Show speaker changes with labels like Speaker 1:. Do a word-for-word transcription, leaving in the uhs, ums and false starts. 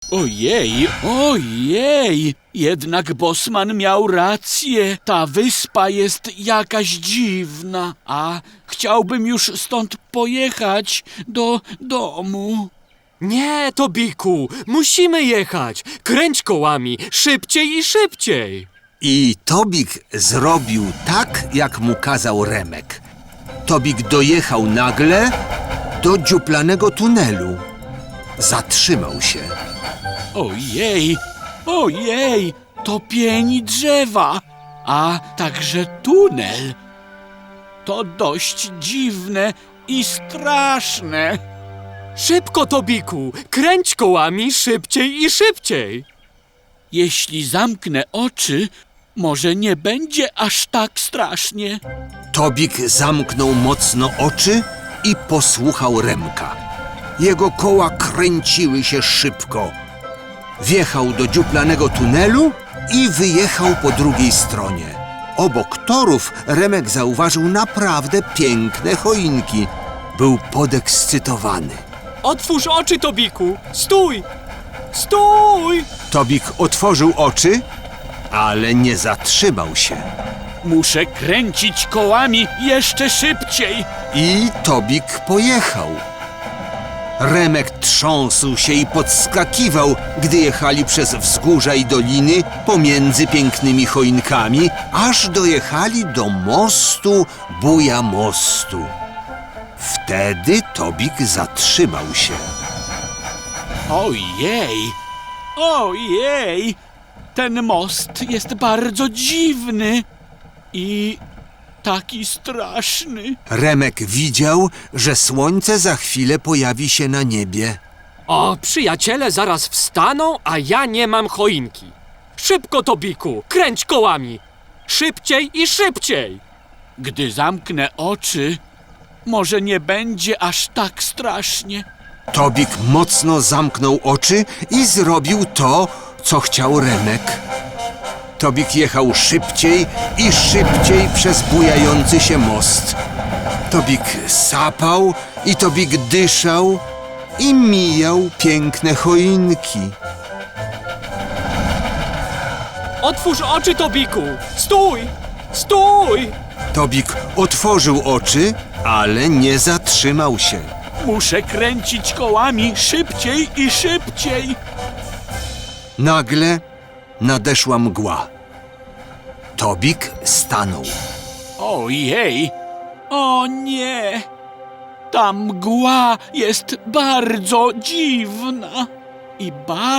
Speaker 1: Ojej, ojej! Jednak Bosman miał rację. Ta wyspa jest jakaś dziwna, a chciałbym już stąd pojechać do domu.
Speaker 2: Nie, Tobiku, musimy jechać. Kręć kołami, szybciej i szybciej.
Speaker 3: I Tobik zrobił tak, jak mu kazał Remek. Tobik dojechał nagle do dziuplanego tunelu. Zatrzymał się.
Speaker 1: Ojej, ojej, to pień drzewa, a także tunel. To dość dziwne i straszne.
Speaker 2: Szybko, Tobiku, kręć kołami, szybciej i szybciej.
Speaker 1: Jeśli zamknę oczy, może nie będzie aż tak strasznie.
Speaker 3: Tobik zamknął mocno oczy i posłuchał Remka. Jego koła kręciły się szybko. Wjechał do dziuplanego tunelu i wyjechał po drugiej stronie. Obok torów Remek zauważył naprawdę piękne choinki. Był podekscytowany.
Speaker 2: Otwórz oczy, Tobiku. Stój! Stój!
Speaker 3: Tobik otworzył oczy, ale nie zatrzymał się.
Speaker 1: Muszę kręcić kołami jeszcze szybciej.
Speaker 3: I Tobik pojechał. Remek trząsł się i podskakiwał, gdy jechali przez wzgórza i doliny pomiędzy pięknymi choinkami, aż dojechali do mostu Buja Mostu. Wtedy Tobik zatrzymał się.
Speaker 1: Ojej, ojej, ten most jest bardzo dziwny i taki straszny.
Speaker 3: Remek widział, że słońce za chwilę pojawi się na niebie.
Speaker 2: O, przyjaciele zaraz wstaną, a ja nie mam choinki. Szybko, Tobiku, kręć kołami. Szybciej i szybciej.
Speaker 1: Gdy zamknę oczy, może nie będzie aż tak strasznie.
Speaker 3: Tobik mocno zamknął oczy i zrobił to, co chciał Remek. Tobik jechał szybciej i szybciej przez bujający się most. Tobik sapał i Tobik dyszał i mijał piękne choinki.
Speaker 2: Otwórz oczy, Tobiku. Stój! Stój!
Speaker 3: Tobik otworzył oczy, ale nie zatrzymał się.
Speaker 1: Muszę kręcić kołami szybciej i szybciej.
Speaker 3: Nagle nadeszła mgła. Tobik stanął.
Speaker 1: Ojej, o nie, ta mgła jest bardzo dziwna i bardzo